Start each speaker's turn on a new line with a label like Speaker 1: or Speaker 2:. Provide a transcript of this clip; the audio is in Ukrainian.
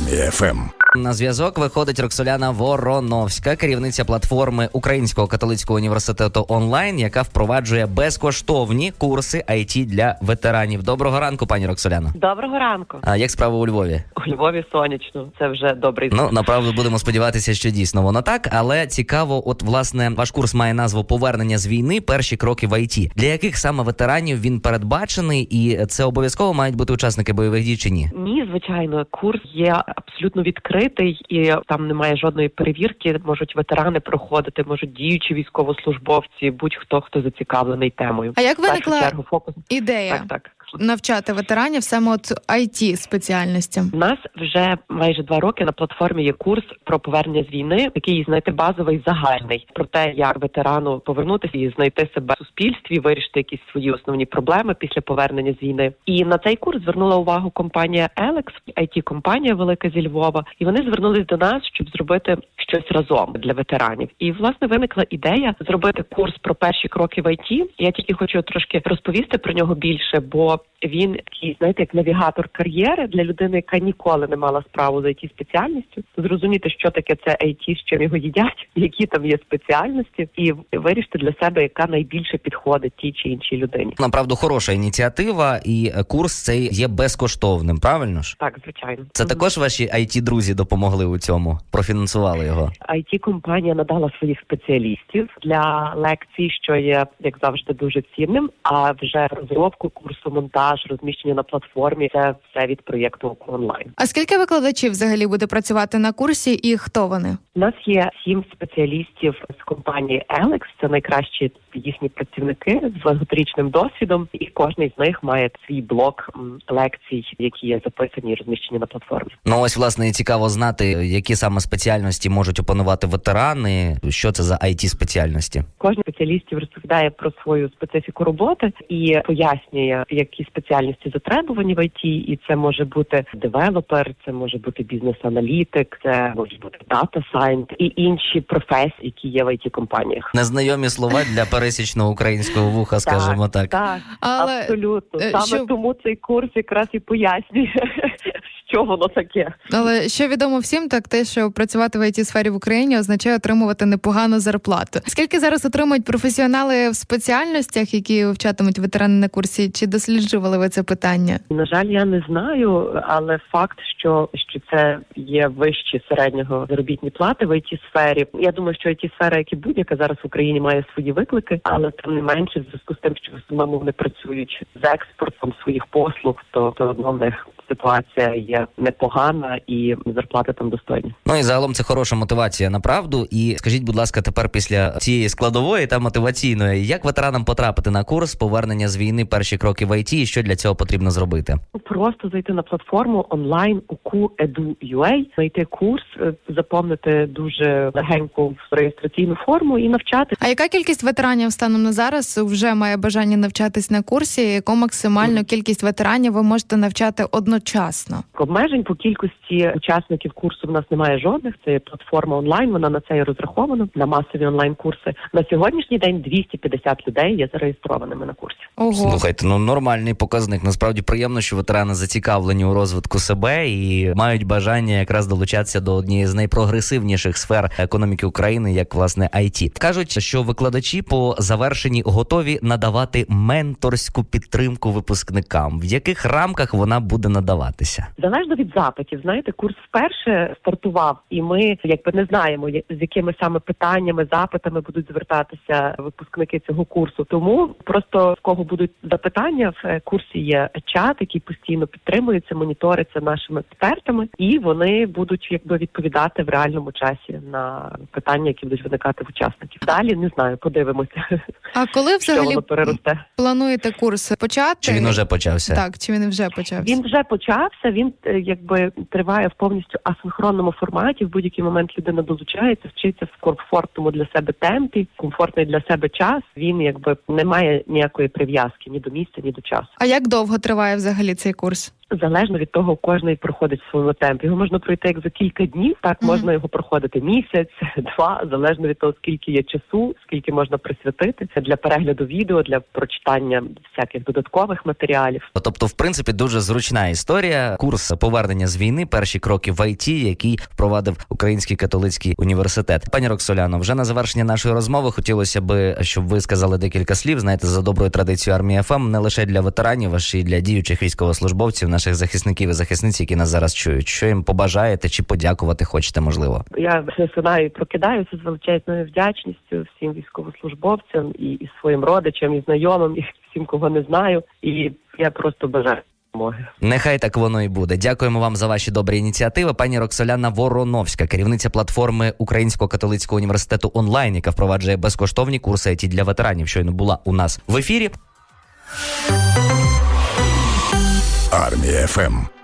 Speaker 1: FM.
Speaker 2: На зв'язок виходить Роксоляна Вороновська, керівниця платформи Українського католицького університету онлайн, яка впроваджує безкоштовні курси IT для ветеранів. Доброго ранку, пані Роксоляно.
Speaker 3: Доброго ранку.
Speaker 2: А як справи у Львові?
Speaker 3: У Львові сонячно. Це вже добрий знак.
Speaker 2: Ну, направду будемо сподіватися, що дійсно воно так, але цікаво, от, власне, ваш курс має назву «Повернення з війни. Перші кроки в ІТ». Для яких саме ветеранів він передбачений, і це обов'язково мають бути учасники бойових дій чи ні?
Speaker 3: Ні, звичайно, курс є абсолютно відкритий, і там немає жодної перевірки. Можуть ветерани проходити, можуть діючі військовослужбовці, будь-хто, хто зацікавлений темою.
Speaker 4: А як виникла
Speaker 3: фокус
Speaker 4: ідея
Speaker 3: так.
Speaker 4: навчати ветеранів саме от IT-спеціальностям?
Speaker 3: У нас вже майже 2 роки на платформі є курс про повернення з війни, який, знаєте, базовий, загальний. Про те, як ветерану повернутися і знайти себе в суспільстві, вирішити якісь свої основні проблеми після повернення з війни. І на цей курс звернула увагу компанія Elex, IT-компанія велика зі Львова. І вони звернулись до нас, щоб зробити щось разом для ветеранів. І, власне, виникла ідея зробити курс про перші кроки в ІТ. Я тільки хочу трошки розповісти про нього більше, бо він такий, знаєте, як навігатор кар'єри для людини, яка ніколи не мала справу з IT-спеціальністю. Зрозуміти, що таке це IT, з чим його їдять, які там є спеціальності, і вирішити для себе, яка найбільше підходить тій чи іншій людині.
Speaker 2: Направду, хороша ініціатива, і курс цей є безкоштовним, правильно ж?
Speaker 3: Так, звичайно.
Speaker 2: Це також ваші IT-друзі допомогли у цьому, профінансували його?
Speaker 3: IT-компанія надала своїх спеціалістів для лекцій, що є, як завжди, дуже цінним, а вже розробку курсу, монтаж, розміщення на платформі – це все від проєкту онлайн.
Speaker 4: А скільки викладачів взагалі буде працювати на курсі і хто вони?
Speaker 3: У нас є 7 спеціалістів з компанії Elex, це найкращі їхні працівники з багаторічним досвідом, і кожен з них має свій блок лекцій, які є записані і розміщені на платформі.
Speaker 2: Ну ось, власне, і цікаво знати, які саме спеціальності можуть опанувати ветерани, що це за IT-спеціальності.
Speaker 3: Кожен з спеціалістів розповідає про свою специфіку роботи і пояснює, які спеціальності затребувані в ІТ, і це може бути девелопер, це може бути бізнес-аналітик, це може бути дата-сайент і інші професії, які є в ІТ-компаніях.
Speaker 2: Незнайомі слова для пересічного українського вуха, скажімо так.
Speaker 3: Так,
Speaker 4: Але
Speaker 3: абсолютно. Саме тому цей курс якраз і пояснює, що воно таке.
Speaker 4: Але що відомо всім, так те, що працювати в IT-сфері в Україні означає отримувати непогану зарплату. Скільки зараз отримують професіонали в спеціальностях, які вчатимуть ветерани на курсі? Чи досліджували ви це питання?
Speaker 3: На жаль, я не знаю, але факт, що це є вищі середнього заробітні плати в IT-сфері. Я думаю, що IT-сфера, як і будь-яка зараз в Україні, має свої виклики, але тим не менше, в зв'язку з тим, що в основному вони працюють з експортом своїх послуг, то одно в них ситуація є непогана і зарплати там достойні.
Speaker 2: Ну і загалом це хороша мотивація, направду. І скажіть, будь ласка, тепер після цієї складової та мотиваційної, як ветеранам потрапити на курс «Повернення з війни. Перші кроки в ІТ» і що для цього потрібно зробити?
Speaker 3: Просто зайти на платформу онлайн uku.edu.ua, знайти курс, заповнити дуже легеньку реєстраційну форму і навчати.
Speaker 4: А яка кількість ветеранів станом на зараз вже має бажання навчатись на курсі? Яку максимальну кількість ветеранів ви можете навчати одночасно?
Speaker 3: Обмежень по кількості учасників курсу в нас немає жодних. Це є платформа онлайн, вона на це і розрахована, на масові онлайн-курси. На сьогоднішній день 250 людей є зареєстрованими на курсі.
Speaker 4: Ого.
Speaker 2: Слухайте, нормальний показник. Насправді приємно, що ветерани зацікавлені у розвитку себе і мають бажання якраз долучатися до однієї з найпрогресивніших сфер економіки України, як, власне, IT. Кажуть, що викладачі по завершенні готові надавати менторську підтримку випускникам. В яких рамках вона буде надаватися?
Speaker 3: Залежно від запитів. Знаєте, курс вперше стартував, і ми не знаємо, з якими саме питаннями, запитами будуть звертатися випускники цього курсу. Тому просто в кого будуть запитання, в курсі є чат, який постійно підтримується, моніториться нашими експертами, і вони будуть відповідати в реальному часі на питання, які будуть виникати в учасників. Далі не знаю, подивимося.
Speaker 4: А коли взагалі плануєте курс почати?
Speaker 2: Чи він вже почався?
Speaker 4: Так, чи він вже почався?
Speaker 3: Він вже почався, він триває в повністю асинхронному форматі. В будь-який момент людина долучається, вчиться в комфортному для себе темпі, комфортний для себе час. Він не має ніякої прив'язки ні до місця, ні до часу.
Speaker 4: А як довго триває взагалі цей курс?
Speaker 3: залежно від того, кожний проходить в своєму темпі. Його можна пройти як за кілька днів, так можна його проходити місяць, 2, залежно від того, скільки є часу, скільки можна присвятити. Це для перегляду відео, для прочитання всяких додаткових матеріалів.
Speaker 2: Тобто, в принципі, дуже зручна історія. Курс повернення з війни, перші кроки в ІТ, який впровадив Український католицький університет. Пані Роксоляно, вже на завершення нашої розмови хотілося би, щоб ви сказали декілька слів, знаєте, за доброю традицією Армії ФМ, не лише для ветеранів, а ще й для діючих військовослужбовців, наших захисників і захисниць, які нас зараз чують. Що їм побажаєте чи подякувати хочете, можливо?
Speaker 3: Я засинаю і прокидаюся з величезною вдячністю всім військовослужбовцям і своїм родичам, і знайомим, і всім, кого не знаю. І я просто бажаю перемоги.
Speaker 2: Нехай так воно і буде. Дякуємо вам за ваші добрі ініціативи. Пані Роксоляна Вороновська, керівниця платформи Українського католицького університету онлайн, яка впроваджує безкоштовні курси IT для ветеранів, щойно була у нас в ефірі.
Speaker 1: Армія ФМ.